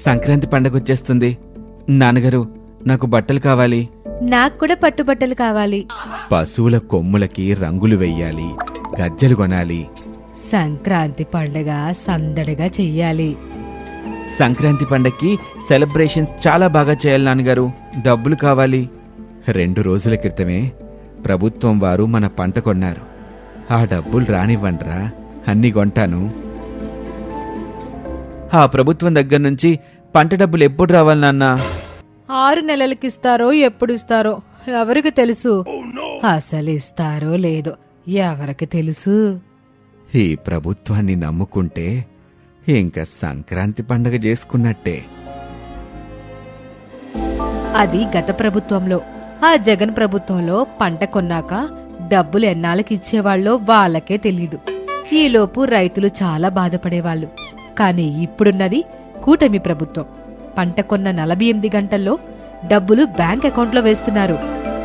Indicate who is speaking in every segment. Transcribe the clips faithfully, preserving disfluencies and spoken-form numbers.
Speaker 1: సంక్రాంతి పండగ వచ్చేస్తుంది. నాన్నగారు, నాకు బట్టలు కావాలి.
Speaker 2: నాకు కూడా పట్టుబట్టలు కావాలి.
Speaker 1: పశువుల కొమ్ములకి రంగులు వెయ్యాలి, గజ్జలు కొనాలి.
Speaker 2: సంక్రాంతి పండగ సందడిగా చెయ్యాలి.
Speaker 1: సంక్రాంతి పండగకి సెలబ్రేషన్స్ చాలా బాగా చేయాలి నాన్నగారు. డబ్బులు కావాలి. రెండు రోజుల క్రితమే ప్రభుత్వం వారు మన పంట కొన్నారు. ఆ డబ్బులు రానివ్వండ్రా, అన్నీ కొంటాను. ఆ ప్రభుత్వం దగ్గర నుంచి పంట డబ్బులు ఎప్పుడు రావాలి నాన్నా?
Speaker 2: ఆరు నెలలకిస్తారో ఎప్పుడు ఇస్తారో ఎవరికి తెలుసు. అసలు ఇస్తారో లేదో ఎవరికి తెలుసు.
Speaker 1: ఈ ప్రభుత్వాన్ని నమ్ముకుంటే ఇంకా సంక్రాంతి పండగ చేసుకున్నట్టే.
Speaker 2: అది గత ప్రభుత్వంలో. ఆ జగన్ ప్రభుత్వంలో పంట కొన్నాక డబ్బులు ఎన్నాళ్ళకి ఇచ్చేవాళ్ళో వాళ్ళకే తెలీదు. ఈలోపు రైతులు చాలా బాధపడేవాళ్ళు. కానీ ఇప్పుడున్నది కూటమి ప్రభుత్వం. పంట కొన్న నలభై ఎనిమిది గంటల్లో డబ్బులు బ్యాంక్ అకౌంట్లో వేస్తున్నారు.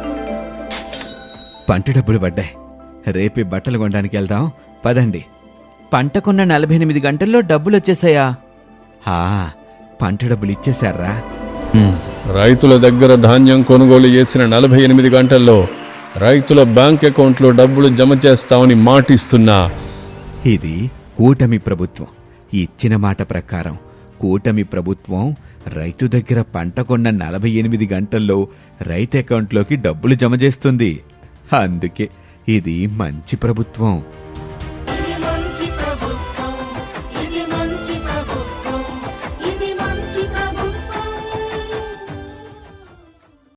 Speaker 1: పంట డబ్బులు పడ్డాయి. రేపే బట్టలు కొనడానికి వెళ్దాం, పదండి. పంట కొన్న నలభై ఎనిమిది గంటల్లో డబ్బులు వచ్చేసాయా? హా, పంట డబ్బులు ఇచ్చేశారా?
Speaker 3: రైతుల దగ్గర ధాన్యం కొనుగోలు చేసిన నలభై ఎనిమిది గంటల్లో రైతుల బ్యాంక్ అకౌంట్లో డబ్బులు జమ చేస్తామని మాటిస్తున్నా.
Speaker 1: ఇది కూటమి ప్రభుత్వం. ఇచ్చిన మాట ప్రకారం కూటమి ప్రభుత్వం రైతు దగ్గర పంట కొన్న నలభై ఎనిమిది గంటల్లో రైతు అకౌంట్లోకి డబ్బులు జమ చేస్తుంది. అందుకే ఇది మంచి ప్రభుత్వం.